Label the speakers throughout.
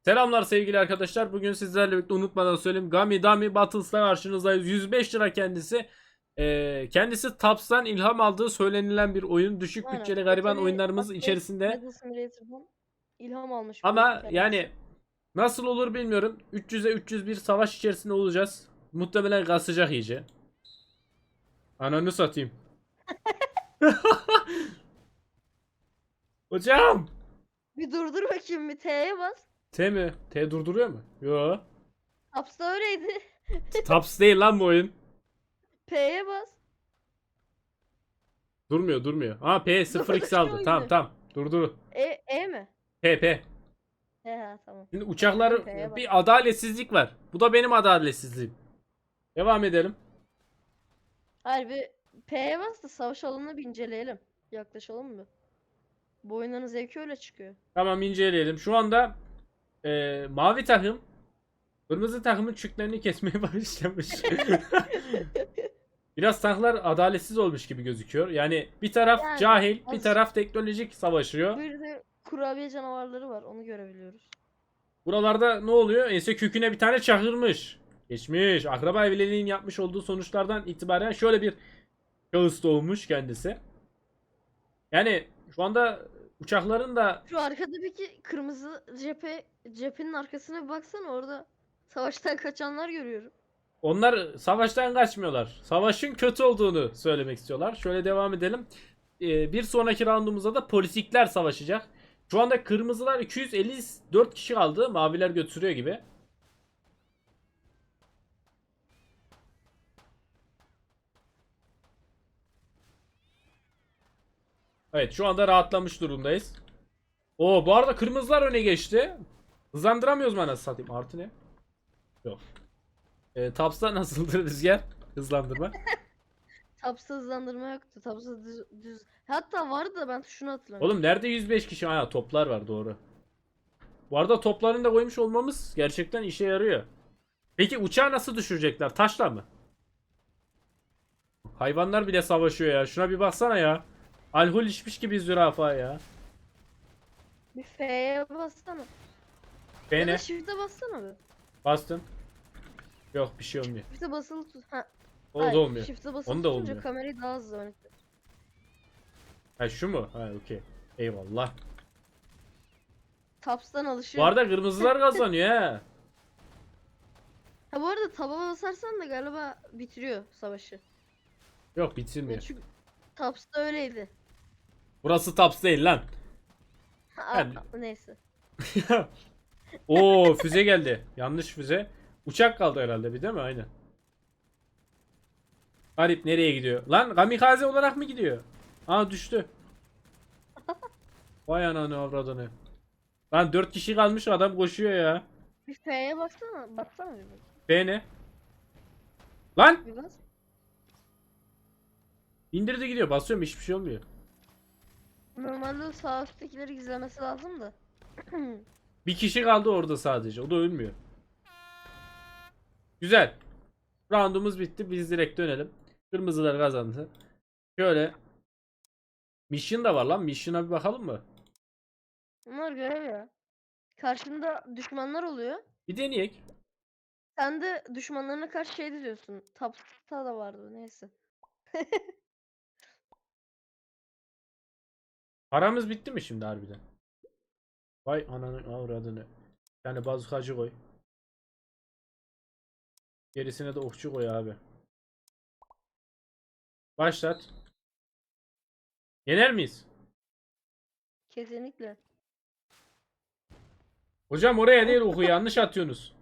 Speaker 1: Selamlar sevgili arkadaşlar. Bugün sizlerle birlikte unutmadan söyleyeyim. Gummy Dummy Battles'la karşınızdayız. 105 lira kendisi. Kendisi Taps'tan ilham aldığı söylenilen bir oyun. Düşük
Speaker 2: Aynen.
Speaker 1: bütçeli gariban
Speaker 2: Battle
Speaker 1: oyunlarımız içerisinde.
Speaker 2: Battle Simulator'dan ilham almış bu
Speaker 1: Ama
Speaker 2: kendisi.
Speaker 1: yani nasıl olur bilmiyorum. 300'e 301 savaş içerisinde olacağız. Muhtemelen kasacak iyice. Ananı satayım. Hocam.
Speaker 2: Bir durdur bakayım, bir T'ye bas.
Speaker 1: T mi? T durduruyor mu? Yo.
Speaker 2: Taps'ta öyleydi.
Speaker 1: Taps değil lan bu oyun.
Speaker 2: P'ye bas.
Speaker 1: Durmuyor. Aa P 0x aldı.
Speaker 2: Durduruyor
Speaker 1: Tamam
Speaker 2: yine.
Speaker 1: tamam. Durdu.
Speaker 2: E mi?
Speaker 1: P.
Speaker 2: He ha, tamam.
Speaker 1: Şimdi
Speaker 2: Tamam,
Speaker 1: uçaklar
Speaker 2: P'ye bas.
Speaker 1: bir adaletsizlik var. Bu da benim adaletsizliğim. Devam edelim.
Speaker 2: Hayır, bir P'ye bas da savaş alanını bir inceleyelim. Yaklaşalım mı? Bu oyunların zevki öyle çıkıyor.
Speaker 1: Tamam inceleyelim. Şu anda mavi takım kırmızı takımın çüklerini kesmeye başlamış. Biraz tanklar adaletsiz olmuş gibi gözüküyor. Yani bir taraf
Speaker 2: Yani
Speaker 1: cahil, bir
Speaker 2: az-
Speaker 1: taraf teknolojik savaşıyor.
Speaker 2: Bir de kurabiye canavarları var, onu görebiliyoruz.
Speaker 1: Buralarda ne oluyor? Ense köküne bir tane çakırmış. Geçmiş. Akraba evliliğinin yapmış olduğu sonuçlardan itibaren şöyle bir şahıs doğmuş kendisi. Yani şu anda uçakların da
Speaker 2: Şu arkadaki kırmızı cephenin arkasına bir baksana, orada savaştan kaçanlar görüyorum.
Speaker 1: onlar savaştan kaçmıyorlar. Savaşın kötü olduğunu söylemek istiyorlar. Şöyle devam edelim. Bir sonraki roundumuzda da politikler savaşacak. Şu anda kırmızılar 254 kişi kaldı. Maviler götürüyor gibi. Evet şu anda rahatlamış durumdayız. Oo bu arada kırmızılar öne geçti. Hızlandıramıyoruz mu anasını satayım? Artı ne? Yok. Taps'ta nasıldır rüzgar? Hızlandırma.
Speaker 2: Tapsa hızlandırma yoktu. Tapsa düz. Hatta vardı da ben şunu hatırlamıyorum.
Speaker 1: Oğlum nerede 105 kişi? Ha toplar var doğru. Bu arada toplarını da koymuş olmamız gerçekten işe yarıyor. Peki uçağı nasıl düşürecekler? Taşla mı? Hayvanlar bile savaşıyor ya. Şuna bir baksana ya. Alkol içmiş gibi zürafa ya.
Speaker 2: Bir F'ye bassana. Ya da
Speaker 1: Beni
Speaker 2: Shift'e bassana bir.
Speaker 1: bastım. Yok bir şey olmuyor.
Speaker 2: Shift'e basılı tut. Ha,
Speaker 1: O da
Speaker 2: hayır.
Speaker 1: olmuyor.
Speaker 2: Shift'e basılı
Speaker 1: Onu da
Speaker 2: tutunca
Speaker 1: olmuyor.
Speaker 2: kamerayı daha hızlı yönetiyor.
Speaker 1: Ha şu mu? Ha okey. Eyvallah.
Speaker 2: Taps'tan
Speaker 1: Bu
Speaker 2: alışıyor.
Speaker 1: arada kırmızılar kazanıyor ha.
Speaker 2: Ha, bu arada taba basarsan da galiba bitiriyor savaşı.
Speaker 1: Yok
Speaker 2: Ya
Speaker 1: bitirmiyor.
Speaker 2: çünkü Taps'ta öyleydi.
Speaker 1: Burası Taps değil lan.
Speaker 2: Ha,
Speaker 1: Yani-
Speaker 2: neyse.
Speaker 1: Oo füze geldi. Yanlış füze. Uçak kaldı herhalde bir değil mi? Aynen. Garip nereye gidiyor? Lan kamikaze olarak mı gidiyor? Aa düştü. Vay ananı avradını. Lan 4 kişi kalmış adam koşuyor ya.
Speaker 2: Bir F'ye baksana. Baksana bir bak.
Speaker 1: B ne? Lan
Speaker 2: Bir bas.
Speaker 1: indirdi gidiyor. Basıyorum hiçbir şey olmuyor.
Speaker 2: Normalde o sağ üsttekileri gizlemesi lazım da.
Speaker 1: Bir kişi kaldı orada sadece. O da ölmüyor. Güzel. Roundumuz bitti. Biz direkt dönelim. Kırmızılar kazandı. Şöyle. Mission da var lan. Mission'a bir bakalım mı?
Speaker 2: Bunlar görev ya. Karşında düşmanlar oluyor.
Speaker 1: Bir deneyek.
Speaker 2: Sen de düşmanlarına karşı şey diyorsun. Tapta da vardı, neyse.
Speaker 1: Paramız bitti mi şimdi harbiden? Vay ananı avradını. Yani bazukacı koy. Gerisine de okçu koy abi. Başlat. Yener miyiz?
Speaker 2: Kesinlikle.
Speaker 1: Hocam oraya değil oku yanlış atıyorsunuz.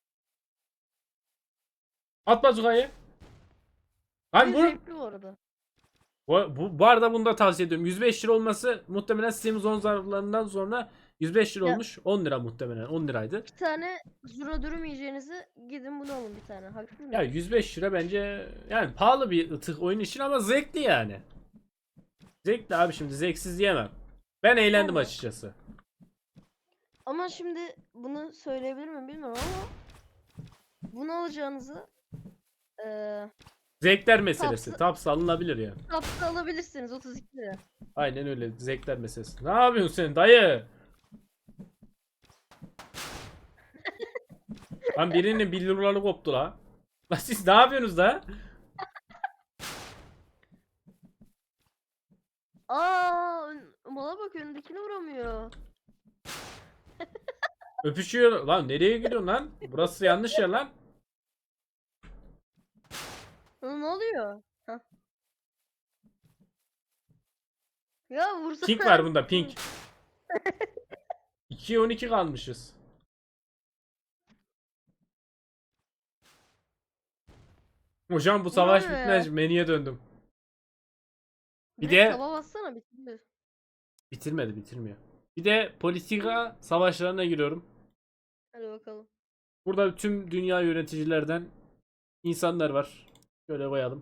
Speaker 1: At bazukayı. Lan
Speaker 2: Bir
Speaker 1: vur.
Speaker 2: zevkli bu arada.
Speaker 1: Bu arada bunu da tavsiye ediyorum. 105 lira olması muhtemelen Steam Zone zarflarından sonra 105 lira
Speaker 2: Ya-
Speaker 1: olmuş. 10 lira muhtemelen. 10 liraydı.
Speaker 2: Bir tane zura dürüm yiyeceğinizi gidin bunu alın bir tane. Haksız mıyım?
Speaker 1: Ya 105 lira bence yani pahalı bir tık oyun için ama zevkli yani. Zevkli abi şimdi zevksiz diyemem. Ben eğlendim
Speaker 2: Yani.
Speaker 1: açıkçası.
Speaker 2: Ama şimdi bunu söyleyebilir miyim bilmiyorum ama bunu alacağınızı
Speaker 1: Zevkler meselesi.
Speaker 2: Tapsı-
Speaker 1: Taps alınabilir yani.
Speaker 2: Taps'ta alabilirsiniz 32 lira.
Speaker 1: Aynen öyle zevkler meselesi. Ne yapıyorsun sen dayı? Lan birinin billurları koptu la. Lan siz ne yapıyorsunuz da?
Speaker 2: Aa, mala bak önündekini vuramıyor.
Speaker 1: Öpüşüyor. Lan nereye gidiyorsun lan? Burası yanlış yer lan.
Speaker 2: Lan ne oluyor? Hah. Ya vursana.
Speaker 1: Pink var bunda pink. 2'ye 12 kalmışız. Hocam bu savaş
Speaker 2: Vuramıyor
Speaker 1: bitmez.
Speaker 2: ya.
Speaker 1: Menüye döndüm. Bir
Speaker 2: Direkt
Speaker 1: de
Speaker 2: taba bassana bitmiyor.
Speaker 1: bitirmiyor. Bir de politika savaşlarına giriyorum.
Speaker 2: Hadi bakalım.
Speaker 1: Burada tüm dünya yöneticilerden insanlar var. Şöyle koyalım.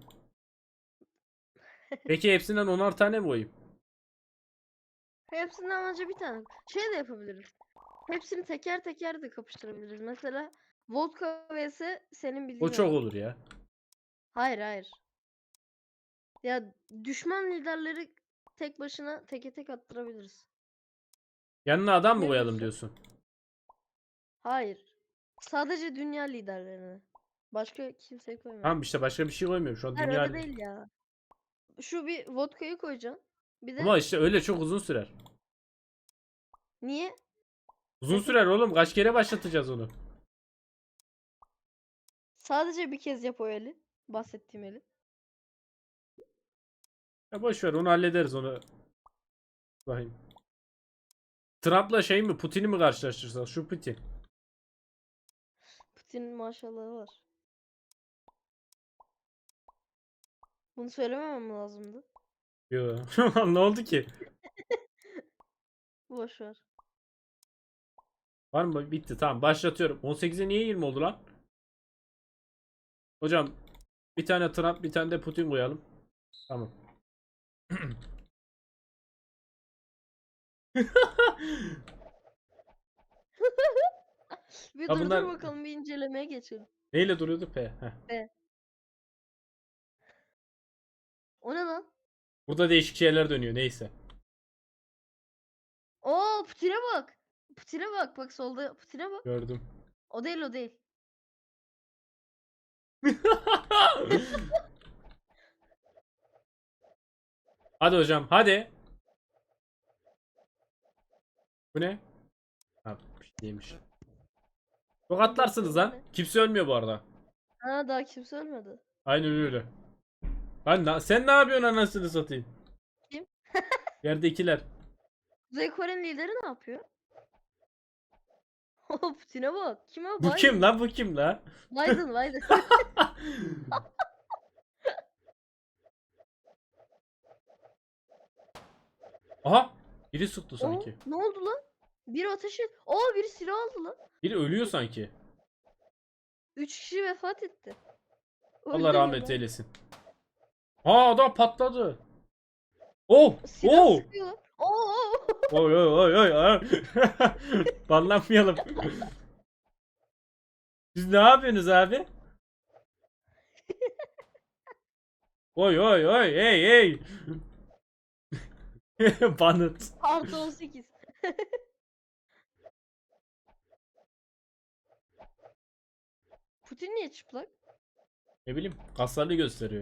Speaker 1: Peki hepsinden 10'ar tane mi koyayım?
Speaker 2: Hepsinden önce bir tane. Şey de yapabiliriz. Hepsini teker teker de kapıştırabiliriz. Mesela vodka vs senin bildiğin
Speaker 1: O çok
Speaker 2: adam.
Speaker 1: olur ya.
Speaker 2: Hayır hayır. Ya düşman liderleri tek başına teke tek attırabiliriz.
Speaker 1: Yanına adam mı
Speaker 2: Ne
Speaker 1: koyalım
Speaker 2: diyorsun?
Speaker 1: diyorsun?
Speaker 2: Hayır. Sadece dünya liderlerini. Başka kimseyi koymayalım.
Speaker 1: Tamam işte başka bir şey koymuyorum. Şu an
Speaker 2: Hayır
Speaker 1: dünya...
Speaker 2: öyle değil ya. Şu bir vodkayı koyacaksın. Bir de
Speaker 1: Ama işte öyle çok uzun sürer.
Speaker 2: niye?
Speaker 1: Uzun sürer oğlum. Kaç kere başlatacağız onu?
Speaker 2: Sadece bir kez yap o eli. Bahsettiğim eli.
Speaker 1: Ya boş ver onu hallederiz onu. Bakayım. Trump'la şey mi Putin'i mi karşılaştırsak? Şu Putin.
Speaker 2: Putin'in maşallahı var. Bunu söylememem lazımdı.
Speaker 1: Yo. Ne oldu ki?
Speaker 2: Boş ver.
Speaker 1: Var mı? Bitti tamam başlatıyorum. 18'e niye 20 oldu lan? Hocam bir tane Trump bir tane de Putin koyalım. Tamam.
Speaker 2: Bir
Speaker 1: Ya
Speaker 2: dur
Speaker 1: bunlar
Speaker 2: dur bakalım bir incelemeye geçelim.
Speaker 1: neyle duruyordu P? Heh.
Speaker 2: Be. O ne lan?
Speaker 1: Burada değişik şeyler dönüyor neyse.
Speaker 2: Oo Putin'e bak. Putin'e bak. Bak solda Putin'e bak.
Speaker 1: Gördüm.
Speaker 2: O değil o değil.
Speaker 1: Hadi hocam hadi. Bu ne? Ha, bir şey değilmiş. Çok atlarsınız lan. Kimse ölmüyor bu arada.
Speaker 2: Ha daha kimse ölmedi.
Speaker 1: Aynen öyle. Lan sen ne yapıyorsun anasını satayım?
Speaker 2: Kim?
Speaker 1: Yerdekiler.
Speaker 2: Kuzey Kore'nin lideri ne yapıyor? Oo Putin'e bak. Kim o?
Speaker 1: Bu kim
Speaker 2: Biden.
Speaker 1: lan bu kim lan?
Speaker 2: Biden.
Speaker 1: Aha biri sıktı
Speaker 2: Oo
Speaker 1: sanki.
Speaker 2: ne oldu lan? Biri ateş et. Oo biri silah aldı lan.
Speaker 1: Biri ölüyor sanki.
Speaker 2: 3 kişi vefat etti.
Speaker 1: Allah
Speaker 2: Öldü
Speaker 1: rahmet
Speaker 2: adam.
Speaker 1: eylesin. Aa adam patladı. Oh!
Speaker 2: Silah
Speaker 1: Oh!
Speaker 2: sıkıyorlar. Oo.
Speaker 1: Oy oy oy oy. Oy. Banlanmayalım. Siz ne yapıyorsunuz abi? Oy oy oy hey hey. Banıt.
Speaker 2: Artı 18. Putin niye çıplak?
Speaker 1: Ne bileyim kaslarını gösteriyor.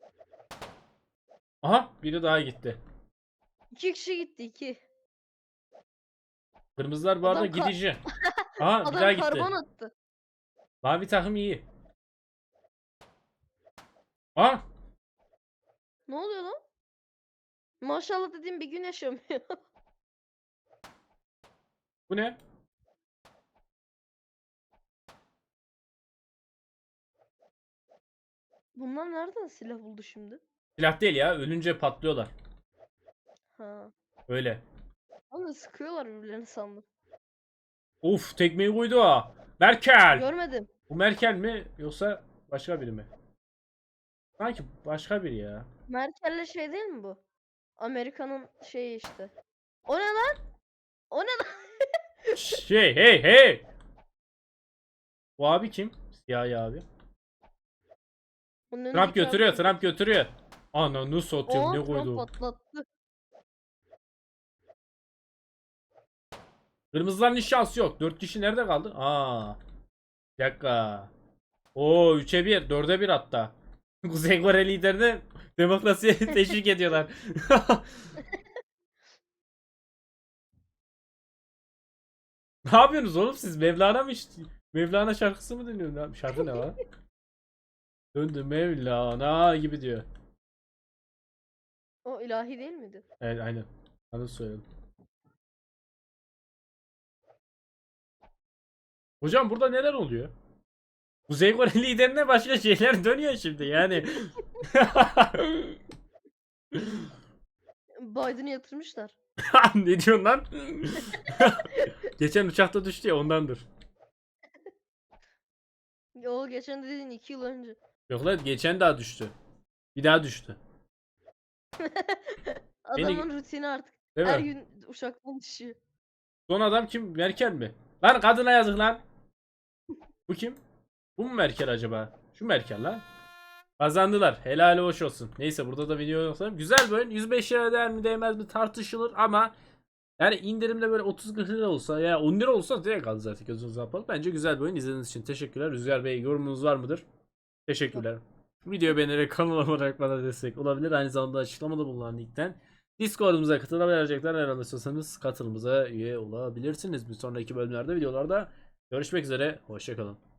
Speaker 1: Aha biri daha gitti.
Speaker 2: 2 kişi gitti 2.
Speaker 1: Kırmızılar bu arada
Speaker 2: Adam
Speaker 1: gidici. Aha bir daha
Speaker 2: Adam
Speaker 1: gitti.
Speaker 2: karbon attı.
Speaker 1: Mavi takım iyi. Aa
Speaker 2: Ne oluyor lan? Maşallah dediğim bir gün yaşamıyor.
Speaker 1: bu ne?
Speaker 2: Bunlar nereden silah buldu şimdi?
Speaker 1: Silah değil ya ölünce patlıyorlar.
Speaker 2: Ha.
Speaker 1: Öyle.
Speaker 2: Ama sıkıyorlar birbirlerini sandım.
Speaker 1: Uf tekmeyi koydu ha. Merkel.
Speaker 2: Görmedim.
Speaker 1: Bu Merkel mi yoksa başka biri mi? Sanki başka biri ya.
Speaker 2: Merkel'le şey değil mi bu? Amerika'nın şeyi işte. O ne lan? O ne lan?
Speaker 1: Şey hey hey. Bu abi kim? Siyahi abi.
Speaker 2: Bunun
Speaker 1: Trump
Speaker 2: önündeki abi
Speaker 1: götürüyor,
Speaker 2: kim?
Speaker 1: Trump götürüyor. Ananı satayım
Speaker 2: Oo
Speaker 1: ne
Speaker 2: Trump
Speaker 1: koydu?
Speaker 2: patlattı.
Speaker 1: Kırmızıların hiç şansı yok. 4 kişi nerede kaldı? Aa. Bir dakika. Oo 3'e 1, 4'e 1 hatta. Kuzey Kore liderini demokrasiye teşvik ediyorlar. Ne yapıyorsunuz oğlum siz? Mevlana mı Mevlana şarkısı mı dinliyorsunuz? Şarkı ne lan? Döndü Mevlana gibi diyor.
Speaker 2: O ilahi değil miydi?
Speaker 1: Evet aynen. Onu söyledim. Hocam burada neler oluyor? Kuzey Kore liderine başka şeyler dönüyor şimdi yani.
Speaker 2: Biden'ı yatırmışlar.
Speaker 1: Ne diyorsun lan? Geçen uçakta düştü ya ondandır.
Speaker 2: O geçen dediğin 2 yıl önce.
Speaker 1: Yok lan geçen daha düştü. Bir daha düştü. Beni
Speaker 2: Adamın rutini artık.
Speaker 1: değil
Speaker 2: Her
Speaker 1: mi?
Speaker 2: gün uçaktan düşüyor.
Speaker 1: Son adam kim? Merkel mi? Lan kadına yazık lan. Bu kim? Bu mu Merkel acaba? Şu Merkel lan. Kazandılar. Helal hoş olsun. Neyse burada da video yoksa. Güzel bir oyun. 105 lira değer mi değmez mi tartışılır ama yani indirimde böyle 30-40 lira olsa ya 10 lira olsa direkt aldı zaten gözünüzü kapalı. Bence güzel bir oyun. İzlediğiniz için teşekkürler. Rüzgar Bey yorumunuz var mıdır? Teşekkürler. Videoyu beğenerek kanal olarak bana destek olabilir. Aynı zamanda açıklamada bulunan linkten Discord'umuza katılabilecekler. Eğer istiyorsanız katılımıza üye olabilirsiniz. Bir sonraki bölümlerde videolarda görüşmek üzere. Hoşçakalın.